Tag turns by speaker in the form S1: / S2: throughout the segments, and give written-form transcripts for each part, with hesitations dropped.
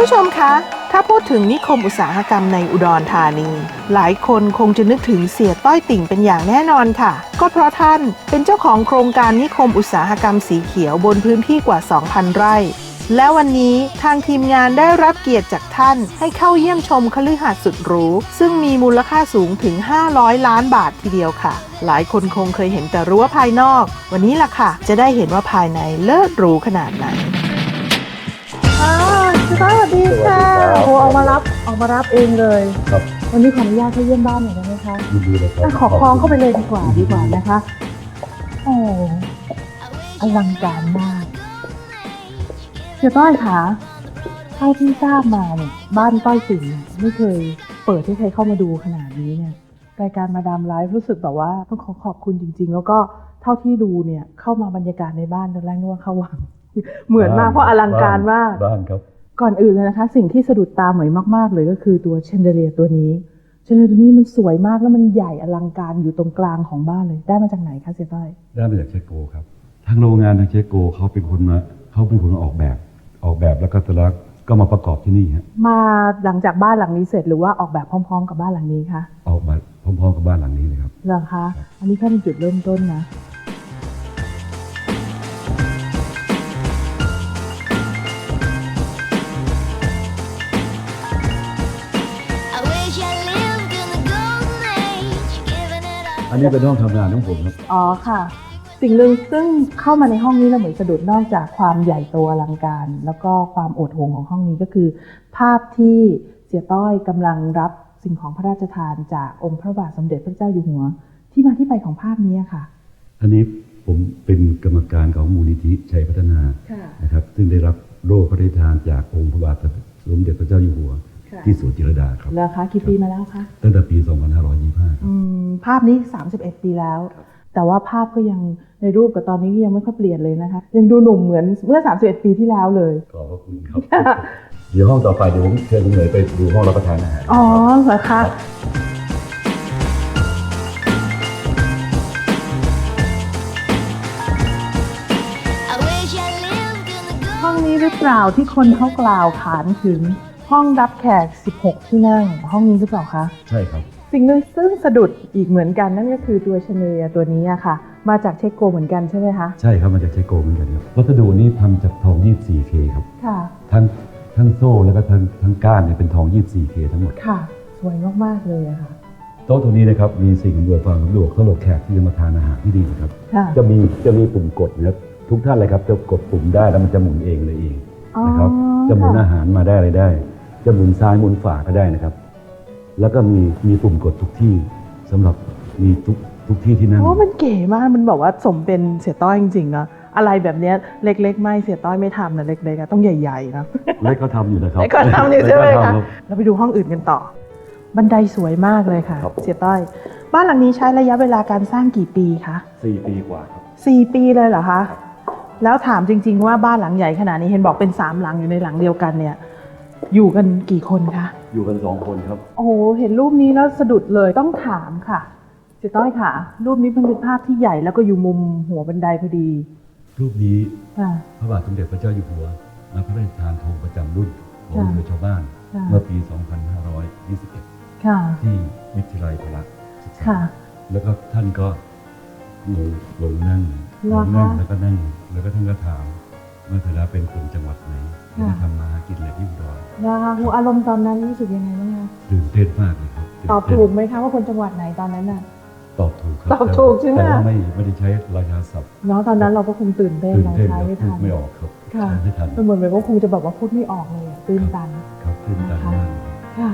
S1: ผู้ชมคะถ้าพูดถึงนิคมอุตสาหกรรมในอุดรธานีหลายคนคงจะนึกถึงเสียต้อยติ่งเป็นอย่างแน่นอนค่ะก็เพราะท่านเป็นเจ้าของโครงการนิคมอุตสาหกรรมสีเขียวบนพื้นที่กว่า 2,000 ไร่และวันนี้ทางทีมงานได้รับเกียรติจากท่านให้เข้าเยี่ยมชมคฤหาสน์สุดหรูซึ่งมีมูลค่าสูงถึง500 ล้านบาททีเดียวค่ะหลายคนคงเคยเห็นแต่รั้วภายนอกวันนี้ล่ะค่ะจะได้เห็นว่าภายในเลิศหรูขนาดไหนสวัสดีค่ะโอ้ออกมารับเองเลย
S2: ครับ
S1: วันนี้ขออนุญาตเข้าเยี่ยมบ้านหน่อยได้ไหมคะ
S2: ยินดีเลยครับ
S1: ขอคล้องเข้าไปเลยดีกว่านะคะโอ้อลังการมากเสียต้อยคะเท่าที่ทราบมาเนี่ยบ้านต้อยติ่งไม่เคยเปิดให้ใครเข้ามาดูขนาดนี้เนี่ยรายการมาดามไลฟ์รู้สึกแบบว่าต้องขอบคุณจริงๆแล้วก็เท่าที่ดูเนี่ยเข้ามาบรรยากาศในบ้านตอนแรกนึกว่าเข้าวังเหมือนมากเพราะอลังการมาก
S2: บ้านครับ
S1: ก่อนอื่นเลยนะคะสิ่งที่สะดุดตาเหมยมากๆเลยก็คือตัวแชนเดเลียร์ตัวนี้แชนเดเลียร์ตัวนี้มันสวยมากแล้วมันใหญ่อลังการอยู่ตรงกลางของบ้านเลยได้มาจากไหนคะเสียต้อย
S2: ได้มาจากเชโกครับทางโรงงานทางเชโกเขาเป็นคนมาออกแบบแล้วก็ตลักก็มาประกอบที่นี่ฮะ
S1: มาหลังจากบ้านหลังนี้เสร็จหรือว่าออกแบบพร้อมๆกับบ้านหลังนี้คะ
S2: ออกแบบพร้อมๆกับบ้านหลังนี้เลยครับ
S1: เหรอคะอันนี้แค่เป็นจุดเริ่มต้นนะ
S2: อันนี้เป็นห้องทำงานของผมครับ
S1: อ๋อค่ะสิ่งหนึ่งซึ่งเข้ามาในห้องนี้เราเหมือนสะดุดนอกจากความใหญ่โตอลังการแล้วก็ความโอดโหงของห้องนี้ก็คือภาพที่เสียต้อยกำลังรับสิ่งของพระราชทานจากองค์พระบาทสมเด็จพระเจ้าอยู่หัวที่มาที่ไปของภาพนี้ค่ะ
S2: อันนี้ผมเป็นกรรมการของมูลนิธิชัยพัฒนานะครับซึ่งได้รับโล่พระราชทานจากองค์พระบาทสมเด็จพระเจ้าอยู่หัวที่สวนจิรดาครับ
S1: แล้วคะกี่ปีมาแล้วคะ
S2: ตั้งแต่ปี 2525 ครับ
S1: ภาพนี้31 ปีแล้วแต่ว่าภาพก็ยังในรูปกับตอนนี้ยังไม่ค่อยเปลี่ยนเลยนะคะยังดูหนุ่มเหมือนเมื่อ31 ปีที่แล้วเลย
S2: ขอบคุณครับเดี๋ยวห้องต่อไปเดี๋ยวผมเชิญคุณเหมยไปดูห้องรับประทานอาหาร
S1: อ๋อเหรอคะห้องนี้หรือเปล่าที่คนเขากล่าวขานถึงห้องรับแขก16 ที่นั่งห้องนี้หรือเปล่าคะ
S2: ใช่ครับ
S1: สิ่งหนึ่งซึ่งสะดุดอีกเหมือนกันนั่นก็คือตัวชาเนเลียตัวนี้ค่ะมาจากเชโกเหมือนกันใช่ไหมคะ
S2: ใช่ครับมาจากเชโกเหมือนกันครับวัสดุนี้ทำจากทอง 24K ครับ
S1: ค่ะ
S2: ทั้งโซ่แล้วก็ทั้งก้านเนี่ยเป็นทอง 24K ทั้งหมด
S1: ค่ะสวยมากๆเลยค่ะ
S2: โต๊ะตัวนี้นะครับมีสิ่งอำนวยความสะดวกสำหรับแขกที่จะมาทานอาหารที่ดีครับจะมีปุ่มกดนะครับทุกท่านเลยครับจะกดปุ่มได้แล้วมันจะหมุนเองเลยเองนะครับจะหมุนอาหารมาได้อะไรได้จะหมุนซ้ายหมุนขวาก็ได้นะครับแล้วก็มีปุ่มกดทุกที่สำหรับมีทุกที่ที่นั่ง
S1: มันเก๋มากมันบอกว่าสมเป็นเสียต้อยจริงๆนะอะไรแบบนี้เล็กๆไม่เสียต้อยไม่ทำนะเล็กๆต้องใหญ่ๆนะ
S2: เล็กเขาทำอยู่นะครับ
S1: เล็กเขาทำอยู่ใช่ไหมคะเราไปดูห้องอื่นกันต่อบันไดสวยมากเลยค่ะเสียต้อยบ้านหลังนี้ใช้ระยะเวลาการสร้างกี่ปีคะ
S2: 4 ปีกว่าครับ
S1: 4 ปีเลยเหรอคะแล้วถามจริงๆว่าบ้านหลังใหญ่ขนาดนี้เห็นบอกเป็น3 หลังอยู่ในหลังเดียวกันเนี่ยอยู่กันกี่คนคะ
S2: อยู่กัน2 คนครับ
S1: โอ้โหเห็นรูปนี้แล้วสะดุดเลยต้องถามค่ะเจ๊ต้อยค่ะรูปนี้เป็นภาพที่ใหญ่แล้วก็อยู่มุมหัวบันไดพอดี
S2: รูปนี้พระบาทสมเด็จพระเจ้าอยู่หัวมาพระราชทานธงประจำรุ่นของเรือชาวบ้านเมื่อปี 2521ที่วิทยาลัยพละศึกษาแล้วก็ท่านก็ลงนั่งแล้วก็นั่งแล้วก็ท่านก็ถามว่าเธอเป็นคนจังหวัดไหนที่ทำมากินอะไรที่อุดร
S1: อารมณ์ตอนนั้นรู้สึกยังไงบ้างคะ
S2: ตื่นเต้นมากเลยครับ
S1: ตอบถูกไหมคะว่าคนจังหวัดไหนตอนนั้นน่ะ
S2: ตอบถูกครับ
S1: ตอบถูกใช่ไหม
S2: แต่ว่าไม่ได้ใช้ราชาศัพท์
S1: เนาะตอนนั้นเราก็คงตื่นเต้นเราใช้ไม่ทัน
S2: ไม่ออกครับ
S1: ค่ะเหมือนก็คงจะแบบว่าพูดไม่ออกเลยตื่นตัน
S2: ครับตื่นตันมาก
S1: ค่ะ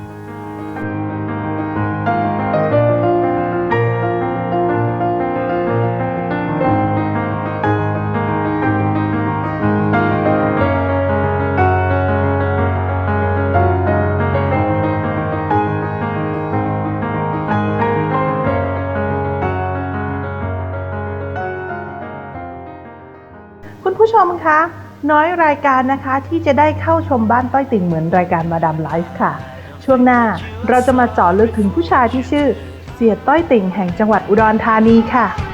S1: คุณผู้ชมคะน้อยรายการนะคะที่จะได้เข้าชมบ้านต้อยติ่งเหมือนรายการมาดามไลฟ์ค่ะช่วงหน้าเราจะมาเจาะลึกถึงผู้ชายที่ชื่อเสียต้อยติ่งแห่งจังหวัดอุดรธานีค่ะ